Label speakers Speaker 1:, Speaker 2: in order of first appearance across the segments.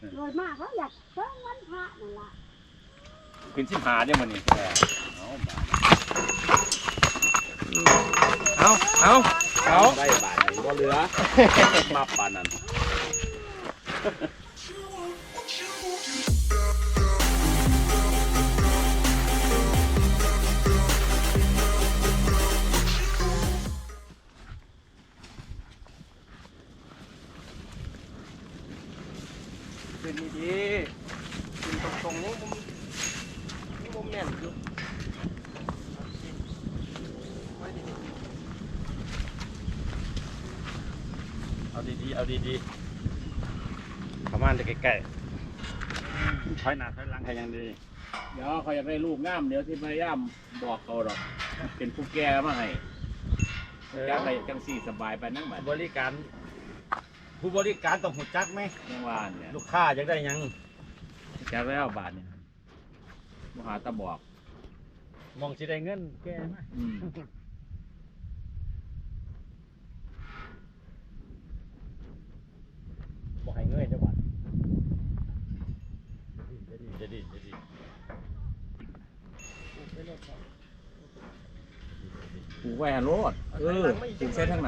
Speaker 1: โดยมากเขาอยากเพิ่มวันพระนั่นล่ะ
Speaker 2: ขึ้น15เนี่ยมันนี่
Speaker 3: เอา
Speaker 2: ได้บาทบ่เหลือมาปานนั้น
Speaker 3: ขึ้นดีๆขึ้นตรงๆนี่มุมแน่นอยู่
Speaker 2: เอาดีๆประมาณจะใกล้ๆถอยหน้าถอยหลังให้ยังดีเดี๋ยวเขาอยากได้ลูกงามเดี๋ยวที่พยายามบอกเขาดอกเป็นผู้แก่มาให้จังไรจังสี่สบายไปนั่งแบบบริการผู้บริการต้องหุ่นจักไหมยังว่าเนี่ยลูกค้าอยากได้ยังจะแล้วบาทเนี่ยมหาตะบอกมองสิได้เงินแก่ไหมบอกให้เงยจังหวัดจะดีผูกแหวนรถผูกเส้นทั้งหนา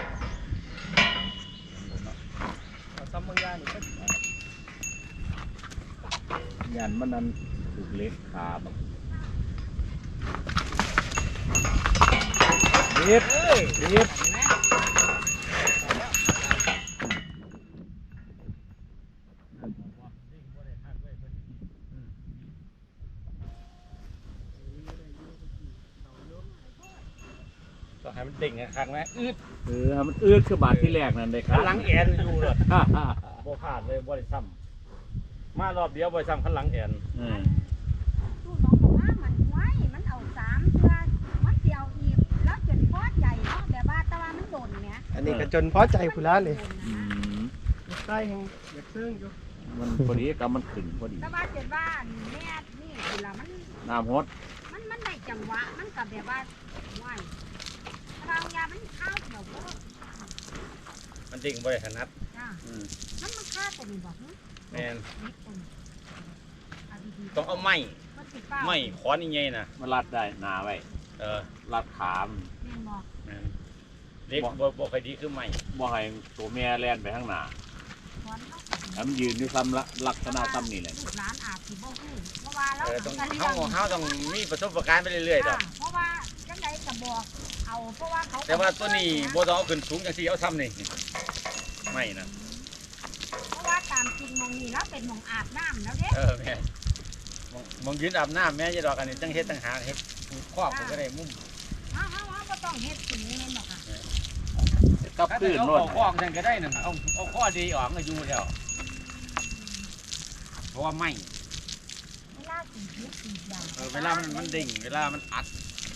Speaker 3: ซ้ำบางอย่างนี่
Speaker 2: ยันมันนั้นถูกเล็กขาแบบเด็ดก็ให้มันเด้งครั้งนะมันอืดคือบาทที่แรกนั่นเลยครับหลังแอนอยู่เลยโบขาดเลยบริซ้ำมารอบเดียวบริซ้ำขันหลังแอน
Speaker 1: ตู้น้องบอกว่ามันไว้มันเอา3 เทื่อมันเสียวอีกแล้วจนพอใจเนาะแบบว่าตะวันมันโดนเนี่ย
Speaker 3: อันนี้ก็จนพอใจคุณล้าเลยใต้แห่งอยากซึ้งอยู่
Speaker 2: มันพอดีกับมันขึ้นพอดี
Speaker 1: ตะวันเจ็ดว่าแม่นี่คือละมัน
Speaker 2: น้ำฮด
Speaker 1: มันได้จังหวะมันกับแบบว่าไหวเรายามันเข้าเดี๋ยว
Speaker 2: มันดิ่งบริขนัด
Speaker 1: มันฆ่าตัวนี้บอก
Speaker 2: แมนต้องเอาไม้ขอนนี่ไงนะมันรัดได้หนาไว้รัดขามเล็กบ่ใครดีคือไม้บ่ให้ตัวแม่แล่นไปข้างหน้ามันยืนด้วยซ้ำลักษณะซ้ำนี่แหละ
Speaker 1: ร้านอาบที่บ่ฮู้เพราะว่าเรา
Speaker 2: ต้องมีประสบการณ์ไปเรื่อยๆดอก
Speaker 1: เพราะว่าจังไดก็บอกเอาเพราะว่าเขา
Speaker 2: แต่ว่าตัวนี้บ่ต้องเอาขึ้นสูงจังซี่เอาซ้ำนี่ไม่นะ
Speaker 1: เพราะว่าตามจริงมองนี่แล้วเป็นมองอาบน้ำแล้วเด้
Speaker 2: แม่มองยืนอาบน้ำแม่จะดอกอันนี้จังเฮ็ดต่างหากเฮ็ดครอบก็ได้มุม
Speaker 1: ก็ต้องเฮ็ดสิ่งนี้หรอกค่ะ
Speaker 2: กับพื้นโน่นเอาข้อจังก็ได้นั่นเอาข้อดีออกก็อยู่แล้วเพราะว่าไม่
Speaker 1: เวลาสีอย่าง
Speaker 2: เวลามันดิ่งเวลามันอัด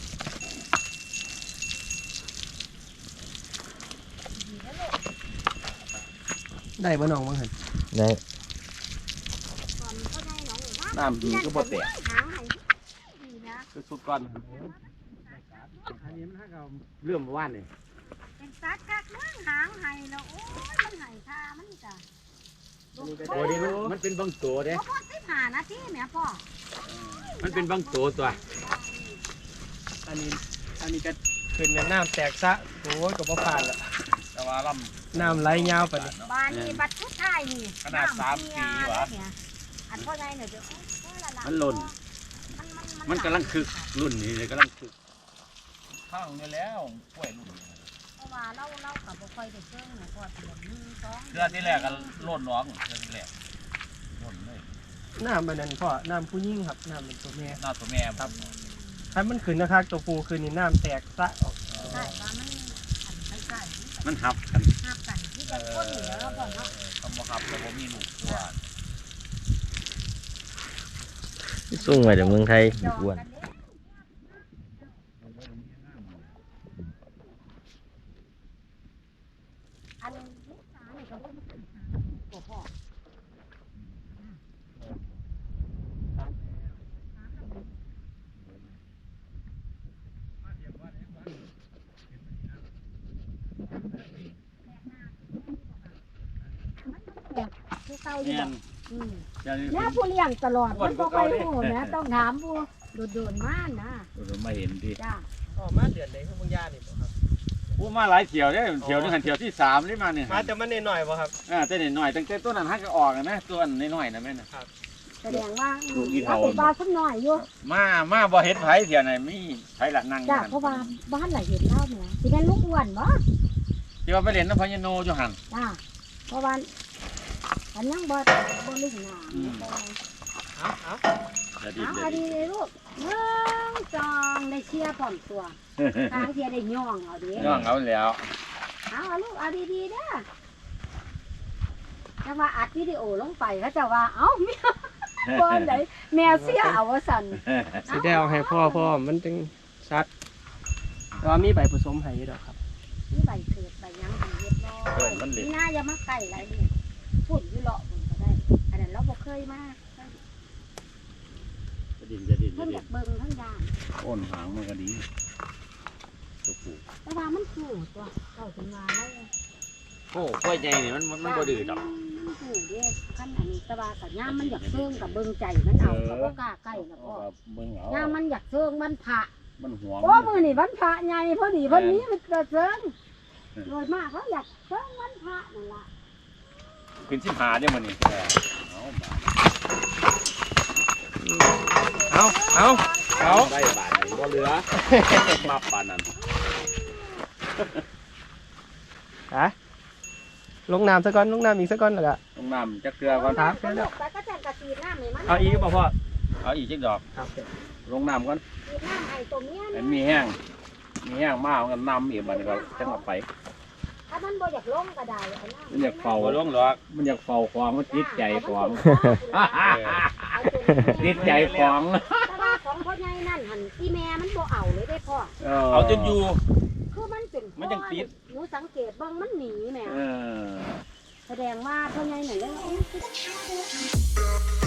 Speaker 3: ได้บ่น้องบ้างเหรอ
Speaker 2: ได้น้ำดีก็บ่แตกคือสุดก่อนอันนี้มันให้เราเรื่องว่านนี่
Speaker 1: เป็นสัตว์กักนั่งหางไห้แล้วโอ้ยมันไห้คามันจ้ะ
Speaker 2: ตัวนี้มันเป็นบางตัวเด้
Speaker 1: พ่อ15 นาทีแม่พ่อ
Speaker 2: มันเป็นบางตัว
Speaker 3: อันนี้ก็ขึ้นน้ำแตกซะโอ้ยก็บ่ผ่านละ
Speaker 2: แต่ว่าล
Speaker 3: ำน้ำไหลยาวไปนี่
Speaker 1: บ้านนี้บัดทุกท้ายนี่
Speaker 2: ขนาด3 ปีวะ
Speaker 1: อันพ่อไงเนี่ยเดี๋ยว
Speaker 2: มันหล่นมันกำลังคึกรุ่นนี้เลยกำลังคึกข้างนี่แล้วกล้วยรุ่น
Speaker 1: เพราะว่าเรากับบ่ค่อยได้เชิงเนี่ยพอเดือน1 2
Speaker 2: เดือนที่แรกก็โลดน้องเดือนที่แรกโลดเลย
Speaker 3: น้ำมันนั่นพ่อน้ำผู้หญิงครับน้ำเป็นตัวแม่
Speaker 2: ตัวแม่
Speaker 3: ครับถ้ามันขึ้นนะครับตัวผู้คืนนี้น้ำแตกซะออก
Speaker 1: ใช่ว่า
Speaker 2: มันหับกัน
Speaker 1: ที่จะก้นเหนือแล้วก่อนเนาะ
Speaker 2: คำว่าหับแล้วผมมีลูกตัว
Speaker 4: ส่งมาจากเมืองไทยอ้วน
Speaker 1: คือเก่าอยู่
Speaker 2: แม่
Speaker 1: บ่
Speaker 2: น
Speaker 1: อืม
Speaker 2: อย่าลืม
Speaker 1: แล้วผู้เลี้ยงตลอดมันบ่ค่อยรู้นะต้องถามผู้โดนๆมานะ
Speaker 2: มาเห็นดิ
Speaker 1: จ้า
Speaker 3: ออกมาเดือนใดคือมึงย่านี่บ่ครับ
Speaker 2: อู้มาหลายเที่ยวเด้เที่ยวนึงหันเที่ยวที่3นี่มาเนี่ย
Speaker 3: มาแต่มันน้อยๆบ่ครับ
Speaker 2: แต่น้อยๆตั้งแต่ต้นนั้นฮักก็ออกนะตัวน้อยๆนะแม่น่ะ
Speaker 1: แสดงว่า
Speaker 2: ลูกอีเฒ่า
Speaker 1: เป็นบ้านสักหน่อยอยู่
Speaker 2: มาบ่เห็นไผเที่ยวไหนมีไผละนั่งอยู่
Speaker 1: จ้า
Speaker 2: หั่น
Speaker 1: เพราะว่าบ้านหลายเห็นเล่าเนี่ยสิเป็นลูกอ้วนบ่
Speaker 2: ที่ว่าไปเล่นน้ำพญาโนอยู่หั่น
Speaker 1: จ้าเพราะว่าอันยังบ่ลึกหนา
Speaker 3: เอา
Speaker 2: จะดี
Speaker 1: เอา
Speaker 2: จะ
Speaker 1: เอา
Speaker 2: ดี
Speaker 1: ดีเลยลูกจองได้เชียร์พร้อมตัวทางเชียร์ได้ย่องเอาดิ
Speaker 2: น้องเอาแล้ว
Speaker 1: เอาลูกเอาดีๆเด้อจังว่าอัดวิดีโอลงไปเขาจะว่าเอ้าแม่บ่ไหนแม่เสียเอาว่าสั่น
Speaker 3: สิได้เอาให้พ่อมันจึงชัดแต่ว่ามีใบผสมให้ดอกครับ
Speaker 1: นี่ใบเกิดใบยังใบเฮ็ดน้อยนี่น่าอย่ามาใกล้ไรนี่ฝุ่นอยู่เลาะฝุ่นก็ได้ อันนั้นเราบ่เคยมา
Speaker 2: จะดินจะดิน
Speaker 1: เพิ่นอยากเบิ่งทั้งยาม
Speaker 2: โอนหางมันก็ดีตัวผู้
Speaker 1: แต่ว่ามันสู้ตัวเจ้าถึงว่าแล้ว
Speaker 2: โอ้กล้วยใหญ่นี่มันบ่ดื้อดอก
Speaker 1: มันสู้เด้คันอันนี้แต่ว่ากับยามมันอยากเชิงกับเบิ่งใจมันเอาก็บ่กล้าใกล้นะพ่อ
Speaker 2: เบิ่งเอา
Speaker 1: ยามมันอยากเชิงมันพระ
Speaker 2: มันหวง
Speaker 1: โอ้มื้อนี้วันพระใหญ่พอดีวันนี้มันจะเชิงโดยมากเขาอยากเชิงวันพระนั่นล่ะ
Speaker 2: ขึ้น15เด้อมื้อนี้เอาบาท
Speaker 3: เอา
Speaker 2: ได้บาทนี่บ่เหลือมาปานนั้น
Speaker 3: ลงน้ำซะก่อนลงน้ำอีกซะก่อนแล้วก็
Speaker 2: ต้องน้ำจักเกลือก่อน
Speaker 3: ครับ
Speaker 1: สนุกไปก็แจ้งกะตีน้ำให้มัน
Speaker 3: เอาอีกบ่พ่อ
Speaker 2: เอาอีกจักดอก
Speaker 3: ครับ
Speaker 2: ลงน้ำก่อน
Speaker 1: ตีน้ำให้ตัวเมีย
Speaker 2: ให้
Speaker 1: นะ
Speaker 2: มีแห้งมากกันน้ำอีกบัดนี้ก็จังเอาไป
Speaker 1: ถ้ามันบ่อยากลงก็ได้เอาน้ำ
Speaker 2: มันอยากเฝ้าลงหรอกมันอยากเฝ้าของมันติดใจของ ติดใจของ
Speaker 1: แต่ว่าของพ่อใหญ่นั่นหันที่แม่มันบ่เอาเลยได้พ่อ
Speaker 2: เอาจนอยู่
Speaker 1: คือมันเป็น
Speaker 2: มันยังติด
Speaker 1: หนูสังเกตเบิ่งมันหนีแหม่
Speaker 2: เออ
Speaker 1: แสดงว่าพ่อใหญ่นั่นเลย